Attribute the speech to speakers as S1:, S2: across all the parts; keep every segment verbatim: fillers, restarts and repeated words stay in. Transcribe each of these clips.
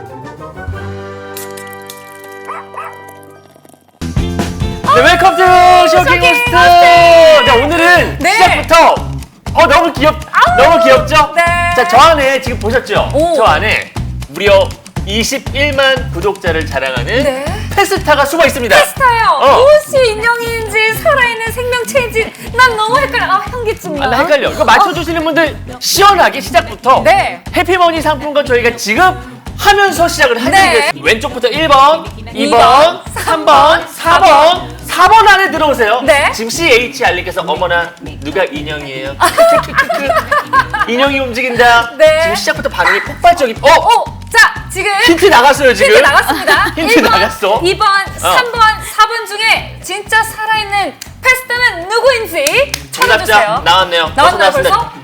S1: 네, 웰컴 투 쇼킹 호스트! 네, 오늘은
S2: 네.
S1: 시작부터 어 너무 귀엽, 너무 귀엽죠?
S2: 네.
S1: 자, 저 안에 지금 보셨죠?
S2: 오.
S1: 저 안에 무려 이십일만 구독자를 자랑하는
S2: 네.
S1: 페스타가 숨어 있습니다.
S2: 페스타요.
S1: 어.
S2: 무엇이 인형인지 살아있는 생명체인지 난 너무 헷갈려. 아, 현기증나.
S1: 아, 나 헷갈려. 이거 맞춰주시는 분들 시원하게 시작부터
S2: 네.
S1: 해피머니 상품권 저희가 지금 하면서 시작을
S2: 네.
S1: 해드리겠습니다. 왼쪽부터 일 번, 이 번, 삼 번, 사 번, 사 번 안에 들어오세요.
S2: 네.
S1: 지금 씨에이치알님께서 어머나 누가 인형이에요? 크크크크크. 인형이 움직인다.
S2: 네.
S1: 지금 시작부터 반응이 폭발적인. 어?
S2: 오, 자, 지금
S1: 힌트 나갔어요 지금.
S2: 힌트 나갔습니다.
S1: 힌트
S2: 일 번,
S1: 나갔어.
S2: 이 번, 삼 번, 사 번 중에 진짜 살아있는 페스타는 누구인지
S1: 정답자
S2: 찾아주세요.
S1: 나왔네요.
S2: 나왔나요,
S1: 나왔습니다.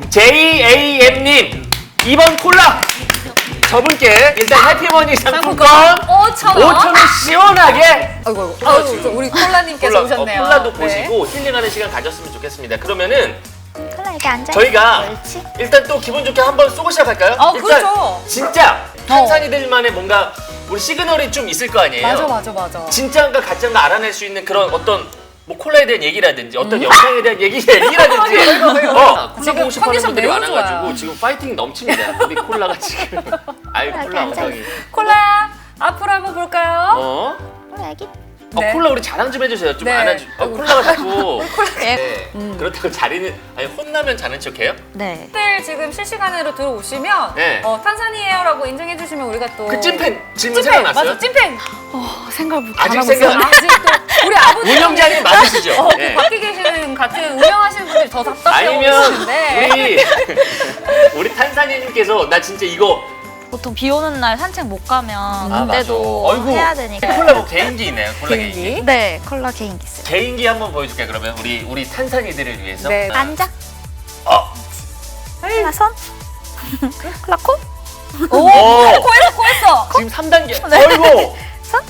S1: 제이에이엠님 이 번 콜라. 저분께 일단 해피머니 상품권
S2: 오천 원.
S1: 오천 원 시원하게.
S2: 아이고, 아이고. 아이고, 저 우리 콜라님께서
S1: 콜라,
S2: 오셨네요.
S1: 어, 콜라도
S2: 네.
S1: 보시고 힐링하는 시간 가졌으면 좋겠습니다. 그러면은
S3: 콜라 이렇게 앉아.
S1: 저희가
S3: 옳지.
S1: 일단 또 기분 좋게 한번 쏘고 시작할까요?
S2: 어,
S1: 일단
S2: 그렇죠.
S1: 진짜 탄산이들만의 뭔가 우리 시그널이 좀 있을 거 아니에요?
S2: 맞아, 맞아, 맞아.
S1: 진짜인가 가짜인가 알아낼 수 있는 그런 어떤 뭐 콜라에 대한 얘기라든지 어떤 영상에 대한 얘기, 얘기라든지 어, 콜라
S2: 지금
S1: 보고 싶어하는
S2: 컨디션
S1: 분들이
S2: 매우
S1: 많아가지고
S2: 좋아요.
S1: 지금 파이팅 넘칩니다. 우리 콜라가 지금 아이 콜라 엉덩이
S2: 콜라 앞으로 한번 볼까요?
S1: 어?
S3: 콜라 여기.
S1: 어,
S2: 네.
S1: 콜라 우리 자랑 좀 해주세요. 좀
S2: 네.
S1: 안아주. 어, 콜라가 자꾸.
S2: 콜라.
S1: 네. 그렇다고 자리는 아니 혼나면 자는 척해요?
S3: 네.
S2: 들 지금 실시간으로 들어오시면
S1: 네.
S2: 어, 탄산이에요라고 인정해주시면 우리가 또
S1: 그 찐팬 질문
S2: 찐팬
S1: 생각났어요?
S2: 맞아 찐팬
S3: 어, 생각 못
S1: 아직
S3: 안 하고
S1: 생각
S3: 있어요.
S1: 안-
S2: 아직 또 우리 아버지
S1: 운영자님 맞으시죠?
S2: 어,
S1: 네.
S2: 그 밖에 계시는 같은 운영하시는 분들이 더 답답해하고
S1: 아니면
S2: 계시는데
S1: 우리 우리 탄산이님께서 나 진짜 이거
S3: 보통 비 오는 날 산책 못 가면
S1: 아,
S3: 그때도
S1: 맞아. 어이구.
S3: 해야 되니까.
S1: 콜라 뭐 개인기 있나요? 콜라 개인기.
S2: 개인기
S3: 네, 콜라 개인기 있어요.
S1: 개인기 한번 보여줄게 그러면 우리 우리 탄산이들을 위해서.
S2: 네.
S3: 앉아.
S1: 어.
S3: 콜라 손. 콜라 코.
S2: 오
S1: 오.
S2: 코했어 코했어
S1: 지금 삼 단계.
S3: 네.
S1: 어이구.
S3: 손.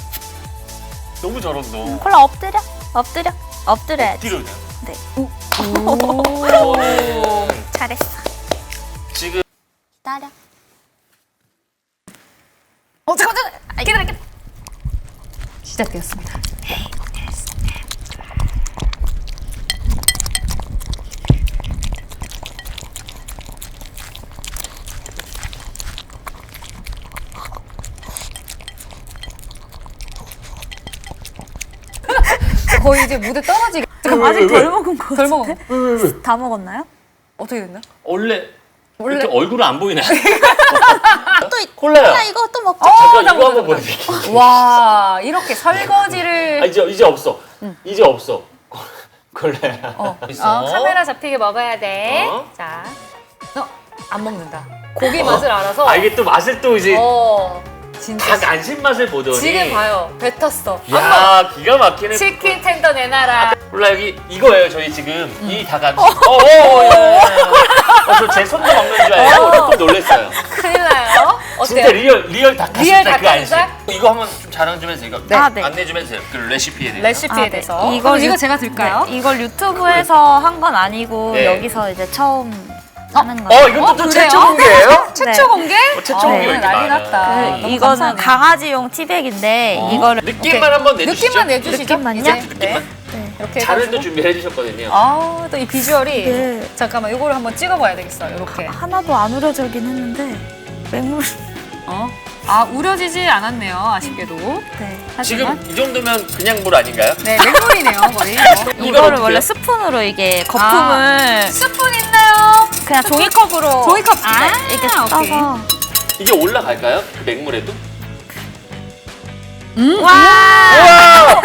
S1: 너무 잘한다.
S3: 콜라 엎드려. 엎드려. 엎드려야지.
S1: 뒤로 그냥.
S3: 네.
S1: 오.
S3: 잘했어.
S1: 지금
S3: 기다려.
S2: 어 잠깐 잠깐 기다려 기다려 시작되었습니다. 거의 이제 무대 떨어지게
S3: 아직 덜 먹은 거.
S2: 덜 먹어.
S3: 다 먹었나요?
S2: 어떻게 됐나?
S1: 원래
S2: 원래-
S1: 이렇게 얼굴은 안 보이나요?
S3: 또 이-
S1: 콜라요.
S3: 콜라 이거 또 먹자.
S1: 잠깐
S2: 나
S1: 이거 한번
S2: 보자,
S1: 보여드릴게요.
S2: 와 이렇게 설거지를
S1: 아, 이제 이제 없어. 이제 없어. 콜라야.
S2: 어,
S1: 있어.
S2: 어, 카메라 잡히게 먹어야 돼.
S1: 어?
S2: 자, 어, 안 먹는다. 고기 맛을 알아서.
S1: 아 이게 또 맛을 또 이제
S2: 어, 진짜.
S1: 닭 안심 맛을 보더니.
S2: 지금 봐요. 뱉었어.
S1: 야 기가 막히네.
S2: 치킨 텐더 내놔라.
S1: 콜라 여기 이거예요. 저희 지금 이 닭 안심. 어어어. 저제 손도 먹는 줄 알고 조금 놀랐어요.
S2: 큰일 나요. 어때요?
S1: 진짜 리얼 리얼 닭가슴살
S2: 리얼
S1: 그 안심.
S2: 닭가슴살?
S1: 이거 한번 좀 자랑 좀 해주세요. 이거
S3: 아, 네.
S1: 안내 좀 해주세요. 그 레시피에 대해서.
S2: 레시피에
S3: 아, 네.
S2: 대해서.
S3: 이걸
S2: 그럼 이거
S3: 유-
S2: 제가 들까요?
S3: 네, 이걸 유튜브에서 한 건 아니고
S1: 네.
S3: 여기서 이제 처음 하는 거예요.
S1: 어 이건 또, 또
S2: 그래요?
S1: 최초 공개예요?
S2: 최초
S3: 네.
S2: 공개?
S1: 어, 최초 공개가
S2: 네,
S1: 이렇게
S2: 난리
S1: 많아요.
S2: 났다.
S3: 그
S2: 너무
S3: 이거는
S2: 감사하네요.
S3: 강아지용 티백인데
S1: 어?
S3: 이거를
S1: 느낌만 한번 내주시죠.
S2: 느낌만 내주시죠.
S3: 느낌만요?
S2: 이제.
S1: 느낌만.
S2: 네.
S3: 네.
S2: 이렇게
S1: 자를
S2: 해가지고.
S1: 또 준비해 주셨거든요.
S2: 아, 또 이 비주얼이.
S3: 네.
S2: 잠깐만, 이거를 한번 찍어봐야 되겠어. 이렇게.
S3: 하나도 안 우려지긴 했는데 맹물.
S2: 어? 아, 우려지지 않았네요. 아쉽게도.
S3: 네.
S2: 하지만.
S1: 지금 이 정도면 그냥 물 아닌가요?
S2: 네, 맹물이네요, 거의. 어.
S3: 이거를
S1: 어떻게
S3: 원래
S1: 해요?
S3: 스푼으로 이게 거품을
S2: 스푼 있나요?
S3: 그냥 종이컵으로
S2: 종이컵. 아,
S3: 네, 이렇게
S2: 오케이.
S3: 떠서
S1: 이게 올라갈까요? 그 맹물에도?
S3: 와
S1: 우와!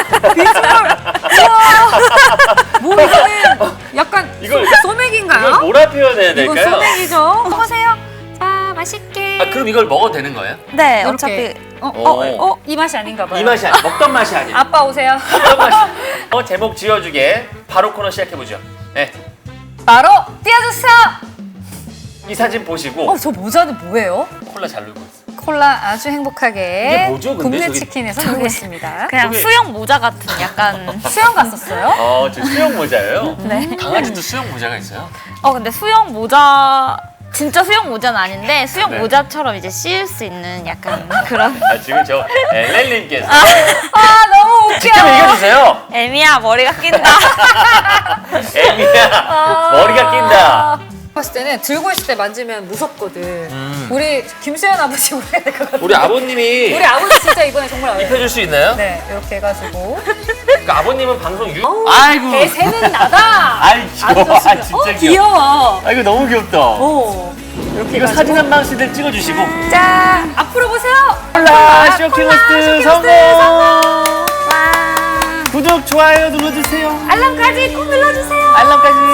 S2: 뭐 이거는 약간
S1: 이걸-
S2: 소- 소맥인가요?
S1: 이걸 뭐라 표현해야
S2: 이거
S1: 될까요?
S2: 소맥이죠. 보세요. 자, 맛있게.
S1: 아 그럼 이걸 먹어도 되는 거예요?
S3: 네
S2: 이렇게.
S3: 어차피
S2: 어,
S1: 어.
S2: 어, 어, 이 맛이 아닌가 봐요.
S1: 이 맛이 아니 먹던 맛이 아니에요.
S2: 아빠 오세요.
S1: 먹던 맛이. 어 제목 지어주게 바로 코너 시작해 보죠. 네.
S2: 바로 띄워주세요.
S1: 이 사진 보시고
S2: 어, 저 모자는 뭐예요?
S1: 콜라 잘 놀고 있어.
S2: 콜라 아주 행복하게
S1: 이게 뭐죠, 근데?
S2: 국내
S1: 저기-
S2: 치킨에서 놀고 있습니다.
S3: 그냥
S1: 저기-
S3: 수영 모자 같은 약간
S2: 수영 갔었어요?
S1: 어, 저 수영 모자예요?
S3: 네.
S1: 강아지도 수영 모자가 있어요?
S3: 어 근데 수영 모자 진짜 수영 모자는 아닌데 수영
S1: 네.
S3: 모자처럼 이제 씌울 수 있는 약간 그런.
S1: 아, 지금 저 엘렐님께서
S2: 아 너무 웃겨.
S1: 직접 읽어주세요.
S3: 애미야 머리가 낀다.
S1: 애미야 머리가 낀다.
S2: 봤을 때는 들고 있을 때 만지면 무섭거든.
S1: 음.
S2: 우리 김수현 아버지 우려야 될 것 같아.
S1: 우리 아버님이
S2: 우리 아버지 진짜 이번에 정말 어려워요.
S1: 입혀줄 수 있나요?
S2: 네, 이렇게 해가지고.
S1: 그러니까 아버님은 방송 유.
S2: 어우,
S1: 아이고.
S2: 대세는 나다.
S1: 아이
S2: 아주
S1: 귀여워. 아,
S2: 좋습니다.
S1: 진짜
S2: 어,
S1: 귀여워.
S2: 귀여워.
S1: 아 이거 너무 귀엽다.
S2: 오. 이렇게
S1: 이거
S2: 해가지고.
S1: 사진 한 방씩들 찍어주시고.
S2: 자, 앞으로 보세요.
S1: 콜라
S2: 콜라,
S1: 쇼킹호스트
S2: 쇼킹호스트
S1: 성공. 구독 좋아요 눌러주세요.
S2: 알람까지 꼭 눌러주세요.
S1: 알람까지.